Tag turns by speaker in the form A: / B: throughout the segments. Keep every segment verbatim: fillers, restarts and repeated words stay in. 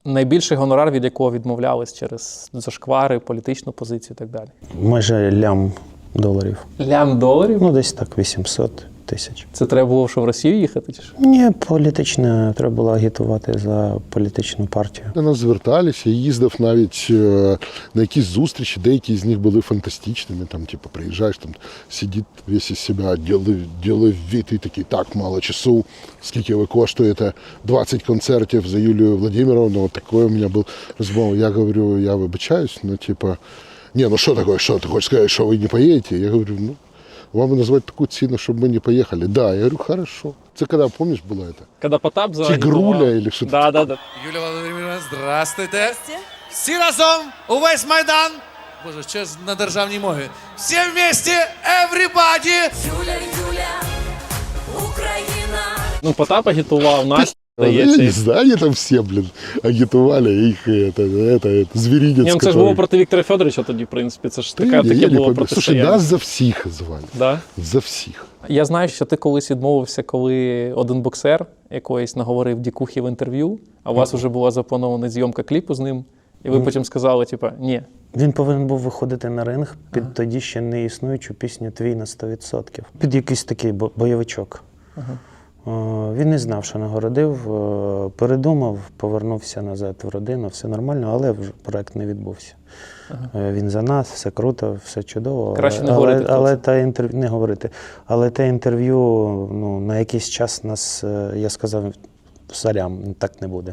A: Найбільший гонорар, від якого відмовлялись через зашквари, політичну позицію і так далі?
B: Майже лям доларів.
A: Лям доларів?
B: Ну, десь так, вісімсот тисяч.
A: Це треба було, що в Росію їхати? Чи що?
B: Ні, політичне, треба було агітувати за політичну партію.
C: До нас зверталися, їздив навіть е, на якісь зустрічі, деякі з них були фантастичними. Там, типу, приїжджаєш, там сидить весь із себе, ділив від і такий, так, мало часу, скільки ви коштуєте, двадцять концертів за Юлію Владимировну, от такий у мене був розмова. Я говорю, я вибачаюсь, ну, типу, ні, ну що таке, що, ти хочеш сказати, що ви не поїдете? Я говорю, ну, вам назвать такую цену, чтобы мы не поехали. Да, я говорю, хорошо. Это когда, помнишь, было это?
A: Когда Потап за
C: Тигруля или что-то.
A: Да, да, да.
D: Юлія Володимирівна, здравствуйте. Всі разом, увесь Майдан. Боже, що ж на державній мові. Всі вместе, everybody.
E: Юля, Юля, Україна.
A: Ну, Потап агітував, Настя,
C: Я
A: здається.
C: не знаю, они там все, блин, агитовали их, это, это, это, зверинец.
A: Ні, ну це ж
C: который-
A: було проти Віктора Федоровича тоді, в принципі. Це ж
C: Да
A: така,
C: я
A: таке
C: не
A: було
C: помню. Слушай,
A: протистояння.
C: нас за всех звали.
A: Да?
C: За всех.
A: Я знаю, що ти колись відмовився, коли один боксер якоїсь наговорив дікухи в інтерв'ю, а у вас вже була запланована зйомка кліпу з ним, і ви потім сказали, типа, ні.
B: Він повинен був виходити на ринг під ага. тоді ще не існуючу пісню «Твій на сто відсотків». Під якийсь такий бо- бойовичок. Ага. О, він не знав, що нагородив, о, передумав, повернувся назад в родину, все нормально, але вже проект не відбувся. Ага. Він за нас, все круто, все чудово.
A: Краще не
B: але,
A: говорити.
B: Але, але те інтерв'ю, не говорити. Але те інтерв'ю, ну, на якийсь час нас, я сказав, сорям, так не буде.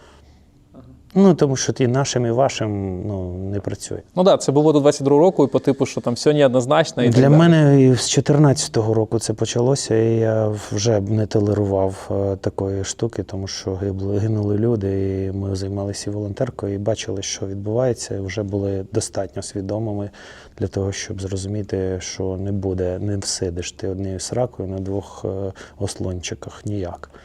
B: Ну, тому що і нашим, і вашим, ну, не працює.
A: Ну так, да, це було до двадцять другого року, і по типу, що там все неоднозначно. І
B: Для
A: так
B: мене і з чотирнадцятого року це почалося, і я вже не толерував е, такої штуки, тому що гибли, гинули люди, і ми займалися волонтеркою, і бачили, що відбувається, і вже були достатньо свідомими для того, щоб зрозуміти, що не буде, не всидиш ти однією сракою на двох е, ослончиках ніяк.